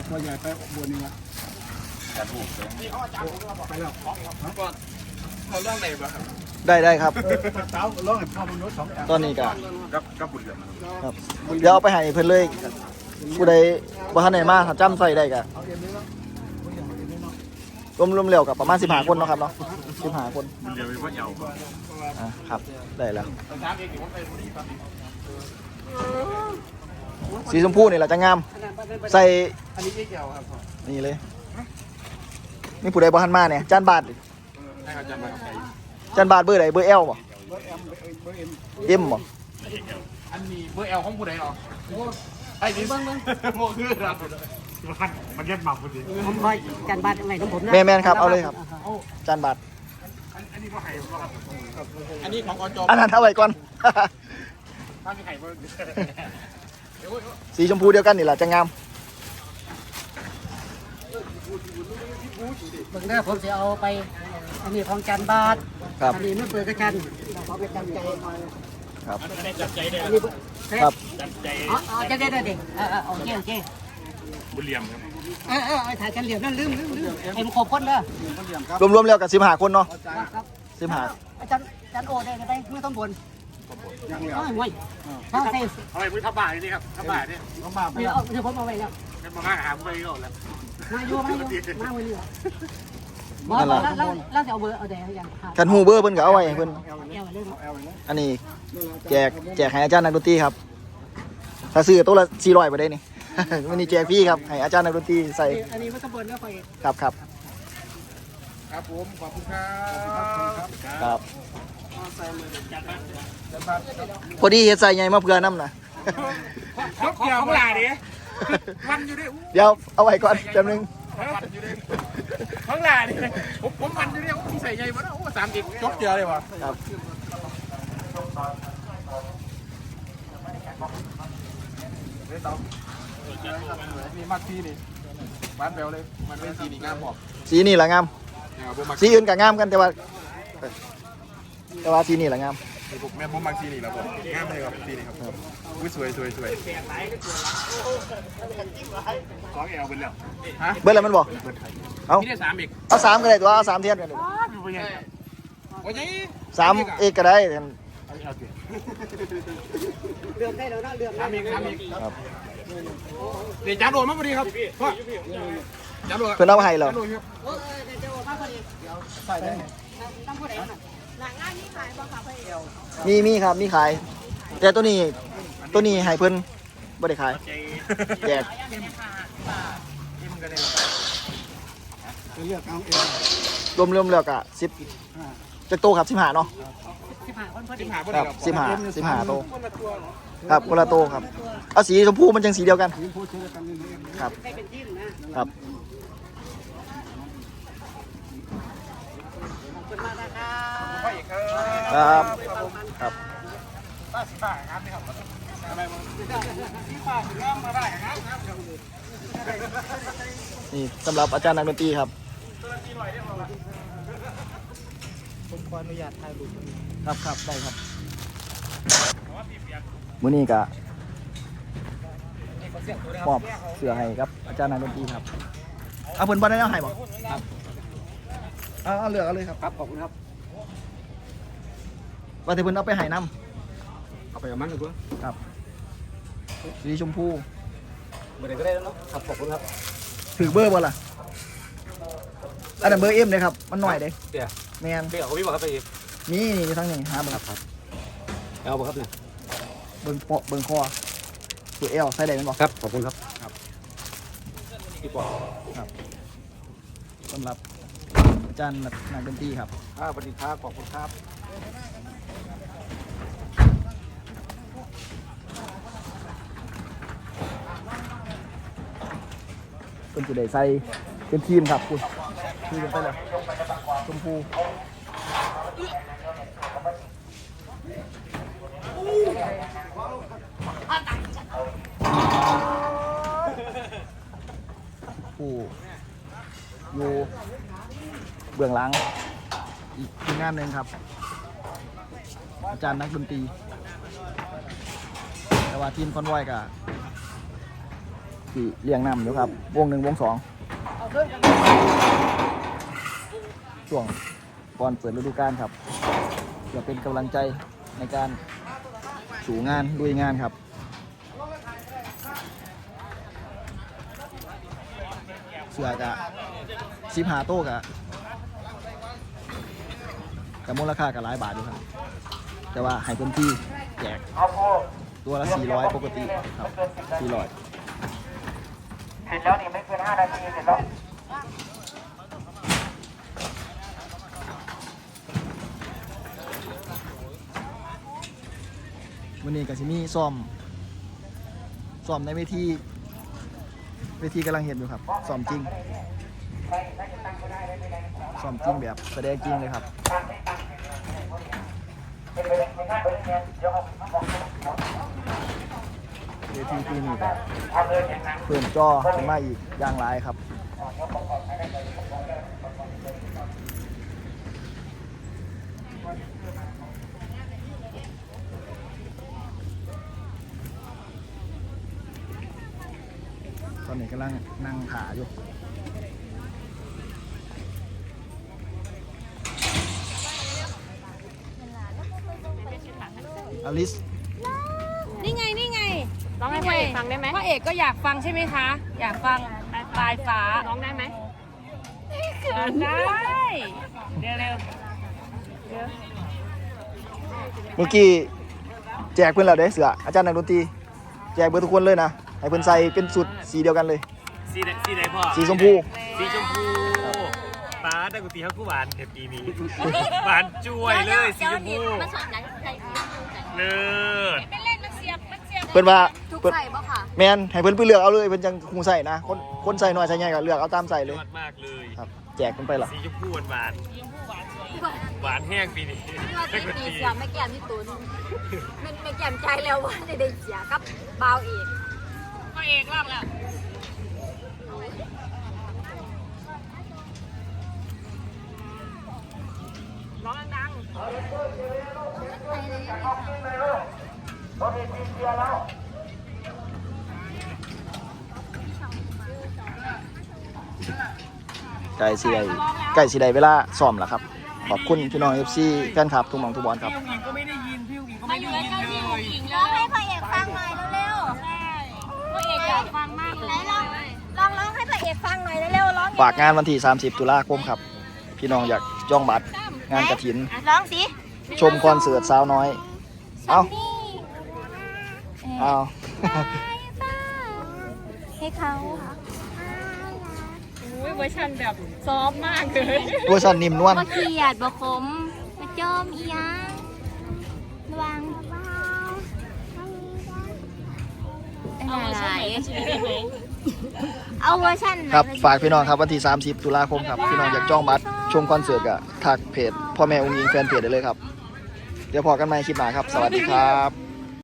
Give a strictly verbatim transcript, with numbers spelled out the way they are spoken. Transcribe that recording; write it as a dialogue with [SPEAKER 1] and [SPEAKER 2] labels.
[SPEAKER 1] ตัวใหญ่ไปบัวนี่ละจัดหูไปแล้วเขาเรื่องไหนบ้าง
[SPEAKER 2] ได้ได้ครับ
[SPEAKER 1] เต้าร้องให้พ่อมนุษย์สอง
[SPEAKER 2] ตอนนี้ก็
[SPEAKER 1] กับกับบุญเรือง
[SPEAKER 2] ครับเดี๋ยวเอาไปให้เพื่อนเลยผู้ใดบ่ทันไหนมาถ้าจำใส่ได้ก็รวมรวมเร็วกับประมาณสิบห้าคนเนาะครับเนาะสิบห้าคน
[SPEAKER 1] เดี๋ยวมีพ่อเยาว์
[SPEAKER 2] อ่าครับได้แล้วสีชมพูนี่แหละจะงามใส่
[SPEAKER 1] อันนี้ไม่เกี่ยวครับ
[SPEAKER 2] นี่เลยนี่ผู้ใดบ่ทันมาเนี่ยจานบาท
[SPEAKER 1] ให้เขาจำมาใคร
[SPEAKER 2] จานบาทเบอร์ไหนเบอร์เอลบ่
[SPEAKER 1] เบอร์เอ็มเบอร์เอ็ม
[SPEAKER 2] เอ็มบ่
[SPEAKER 1] อันนี้เบอร์เอลของผู้ใดหรอไอ้นี่เบิ้งเบิ้งโง่คือเรามันมันเย็บหมักพอดี
[SPEAKER 3] ผมคอยจานบาทอะไรของผมนะ
[SPEAKER 2] แม่แม่นครับเอาเลยครับจานบาท
[SPEAKER 1] อันนี้ก็ไข่อันนี้ของอจ
[SPEAKER 2] อันนั้นเอาไว้ก่อน
[SPEAKER 1] ถ้ามีไข่เบิ้ง
[SPEAKER 2] สีชมพูเดียวกันนี่แหละจะงาม
[SPEAKER 3] เบิ่งเด้อผมจะเอาไปอันนี้ของจานบาทอันนี้ไม่เปิดกระชันขอไปจำใจ
[SPEAKER 2] ครับ
[SPEAKER 1] จับใจได้
[SPEAKER 2] ครับ
[SPEAKER 3] จับใจอ๋อจะได้ได้เด็กเออเออโอเคโอเค
[SPEAKER 1] บุญเหลี่ยมครับ
[SPEAKER 3] เออเออถ่ายกันเหลี่ยมนั่นลืมลืมลืมเอ็มครบคนเด้อ
[SPEAKER 2] รวมๆแล้วกับสิบห้าคนเนาะสิบห้า
[SPEAKER 3] อาจารย์อาจารย์โอได้ก็ได้ไม่ต้องบ่นยังเหลือห่วยถ้าใส่
[SPEAKER 1] เอาไปมือทับบ่ายนี่ครับทับบ่ายนี่ทับบ่าย
[SPEAKER 3] เดี๋ยวเดี๋ยวผมเอาไว้แล้ว
[SPEAKER 1] เป็นมาหาไปก่อนแล้ว
[SPEAKER 3] มาอยู่มาอยู่มาวันนี้บอสแล้วแล้วแล้วจะเอาเบอร์เอาแดงอย่าง
[SPEAKER 2] กันฮูเบอร์เพิ่นก็เอาไว้เพิ่นอันนี้แจกแจกให้อาจารย์นักดนตรีครับถ้าซื้อตัวละสี่ร้อยไปได้นี่วันนี้แจกพี่ครับให้อาจารย์นักดนตรีใส่
[SPEAKER 3] อันนี้ไม่ต้องบ่นแล้วไป
[SPEAKER 2] ครับครับ
[SPEAKER 1] ครับผมขอบคุณครับ
[SPEAKER 2] ครับพอดีเฮ็ดใส่ใหญ่มาเพื่อน้ำนะ
[SPEAKER 1] ขอของหลาดิมันอยู่ดิ
[SPEAKER 2] เดี๋ยวเอาไว้ก่อนจำนึง
[SPEAKER 1] ของหลาดิผมผมมันอยู่ดิโอ้ใส่ใหญ่มาแล้วโอ้สามกิกจบเจอเลยวะ
[SPEAKER 2] ครับ
[SPEAKER 1] มีมัดซีนี่บ้านแบลเลยมันเป็นสีนี่งามบอก
[SPEAKER 2] สีนี่แหละงามสีอื่นก็งามกันแต่ว่าแต่ว่าสีนี่แหละงาม
[SPEAKER 1] ผมแม่ผมมักสีนี่แล้วผมงามเลยครับสีนี่ครับอุ้ยสวยสวยสวยสองแอลเป็นแล้ว
[SPEAKER 2] ฮะเบิร์ดอะไรมันบอกเอา
[SPEAKER 1] มีได้สามอีก
[SPEAKER 2] เอาสามก็ได้ตัวเอาสามเทียนกันสามเอกก็ได้
[SPEAKER 3] เรื่องได้แล้วนะเรื่อง
[SPEAKER 1] สามอีกสามอีกครับเดี๋ยวจ่าโดนมาพอดีครับพ่อจ่าโดน
[SPEAKER 2] เพื่อนเอาให้เรา
[SPEAKER 3] ใส่ได้ตั้งผู้ใดน่ะหลังงานนี้ขายบ่ค่ะพี่เอว
[SPEAKER 2] มีมีครับมีขายแต่ตัวนี้ตัวนี้ให้เพิ่นบ่ได้ขายแจกรวมรวมแล้วก็สิบจะโตครับสิบห้าเนาะ
[SPEAKER 3] สิบห้าคนพอดี
[SPEAKER 2] ครับสิบห้าสิบห้าโตครับคนละโตครับเอาสีชมพูมันจังสีเดียวกันครับครับครับครับป้าสิบ้าครับนี่ครับอะไรมาสิบ้าถึงมาได้ครับนี่สำหรับอาจารย์นักดนตรีครับ
[SPEAKER 3] ผมขออนุญาตถ่ายรูป
[SPEAKER 2] ครับครับได้ครับมื้อนี้ก็มอบเสื้อให้ครับอาจารย์นักดนตรีครับเอาเพิ่นบ่ได้เอาให้บ่ครับเอาเอาเลือกเอาเลยครับ
[SPEAKER 1] ครับขอบคุณครับ
[SPEAKER 2] ว่าแต่เพิ่นเอาไปให้น้
[SPEAKER 1] ำเอาไปกับมันเลยกู
[SPEAKER 2] ครับสีชมพู
[SPEAKER 1] เบอร์ไหนก็ได้แล้วเนาะครับขอบคุณครับ
[SPEAKER 2] ถือเบอร์บ่ล่ะอันนั้นเบอร์เอ็มเลยครับมันหน่อยเด้
[SPEAKER 1] เดี๋ยว
[SPEAKER 2] แมน
[SPEAKER 1] เดี๋ยวเขาพี่บอกครับไป
[SPEAKER 2] นี่นี่ทั้งนี้หาเบอร์
[SPEAKER 1] ครับเอาบ่ครับเนี่ย
[SPEAKER 2] เบิ่งเปาะเบิ่งคอตัวเอลใส่ได้มั้ยบ่
[SPEAKER 1] ครับขอบคุณครับครับพี่ปอ
[SPEAKER 2] ครับสำหรับอาจารย์นักดนตรีครับ
[SPEAKER 1] ครับสวัสดีครับขอบคุณครับ
[SPEAKER 2] เป็นจุดใดใส่เป็นทีมครับคุณทีมไปเลยชมพูผู้อยู่เบื้องหลังอีกทีมงานหนึ่งครับอาจารย์นักดนตรีแต่ว่าทีมคอนวอยกับที่เลี้ยงน้ำอยู่ครับวงหนึ่งวงสองช่วงก่อนเปิดฤดูกาลครับเพื่อเป็นกำลังใจในการสู่งานลุยงานครับเสือกะสิบหาโต๊ะกะกับมูลค่ากับหลายบาทอยู่ครับแต่ว่าให้พื้นที่แจกตัวละสี่ร้อยปกติครับสี่ร้อยเสร็จแล้วนี่ไม่เกินห้านาทีเสร็จแล้ววันนี้กับซิมี่ซ้อมซ้อมในเวทีเวทีกำลังเห็นอยู่ครับซ้อมจริงซ้อมจริงแบบแสดงจริงเลยครับเวทีที่นี่แบบเพิ่มจอขึ้นมาอีกอย่างไรครับตอนนี้กำลังนั่งขาอยู่อลิส
[SPEAKER 4] นี่ไง นี่ไงร้องให้พ่อเอกฟังได้ไหมพ่อเอกก็อยากฟังใช่ไหมคะ อยากฟังปลายฟ้าร้องได้ไหมได้เร็วเร็ว
[SPEAKER 2] เมื่อกี้แจกเพื่อนเราได้เสืออาจารย์นักดนตรีแจกเพื่อนทุกคนเลยนะให้เพื่อนใส่เป็นสุดสีเดียวกันเลย
[SPEAKER 5] สีไหนสีไหนพ่อ
[SPEAKER 2] สีชมพู
[SPEAKER 5] สีชมพูป้าแต่กูตีเขากูหวานเดี๋ยวปีนี้หวานจุ้ยเลยสีชมพูเลิศ
[SPEAKER 4] เป็นเล่นมันเสียบมันเสียบ
[SPEAKER 2] เพื่อนว่า
[SPEAKER 4] ทุก
[SPEAKER 2] เพื่อน
[SPEAKER 4] ใส่ป่ะค่ะ
[SPEAKER 2] แมนให้เพื่อนไปเลือกเอาเลยเพื่อนจังคงใส่นะคนคนใส่น้อยใส่ใหญ่ก็เลือกเอาตามใส่เลย
[SPEAKER 5] ยอดมากเลย
[SPEAKER 2] ครับแจกกันไปหรอ
[SPEAKER 5] สีชมพูหวานหวานหวานแห้งปีนี้
[SPEAKER 4] ว่าตีปีเสียไม่แก้มที่ตุนมันไม่แก้มใจแล้วว่าจะได้เสียกับเบาเอกพ่อเอกร้องแล้วร้องดัง
[SPEAKER 2] ไก่สีใดไก่สีใดเวลาซ้อมล่ะครับขอบคุณพี่น้องเอฟซีแฟนคลับทุกหม่องทุกบอลครับ
[SPEAKER 5] พี่หญิงก็ไม่ได้ยินพี่หญิงก็
[SPEAKER 4] มา
[SPEAKER 5] ไม่
[SPEAKER 4] อยู่
[SPEAKER 5] ได้
[SPEAKER 4] ใก
[SPEAKER 5] ยิน
[SPEAKER 4] ล้ๆ
[SPEAKER 5] เล
[SPEAKER 4] พี่
[SPEAKER 5] ย
[SPEAKER 4] หญิงร้องให้พระเอกฟังหน่อยเร็วๆใช่พระเอกอยากฟังมากเลยลองลองร้องให้พระเอกฟังหน่อยเร็วๆร้อง
[SPEAKER 2] ฝากงานวันที่สามสิบตุลาคมครับพี่น้องอยากจองบัตรงานกฐิน
[SPEAKER 4] ร้องสิ
[SPEAKER 2] ชมคอนเสิร์ตสาวน้อย เอ้า เอา
[SPEAKER 4] ให้เขา
[SPEAKER 6] อุ้ยเวอร์ชันแบบซอฟต์มากเลย
[SPEAKER 2] เวอร์ชันนิ่มนวล
[SPEAKER 4] บ่เครียดบ่ขมบ่จอมอีหยังระวังเอาเวอร์ชันเอาเวอร์ชัน
[SPEAKER 2] ครับฝากพี่น้องครับวันที่สามสิบตุลาคมครับพี่น้องอยากจองบัตรชมคอนเสิร์ตก็ทักเพจพ่อแม่องค์หญิงแฟนเพจได้เลยครับเดี๋ยวพอกันใหม่คลิปหน้าครับสวัสดีครับ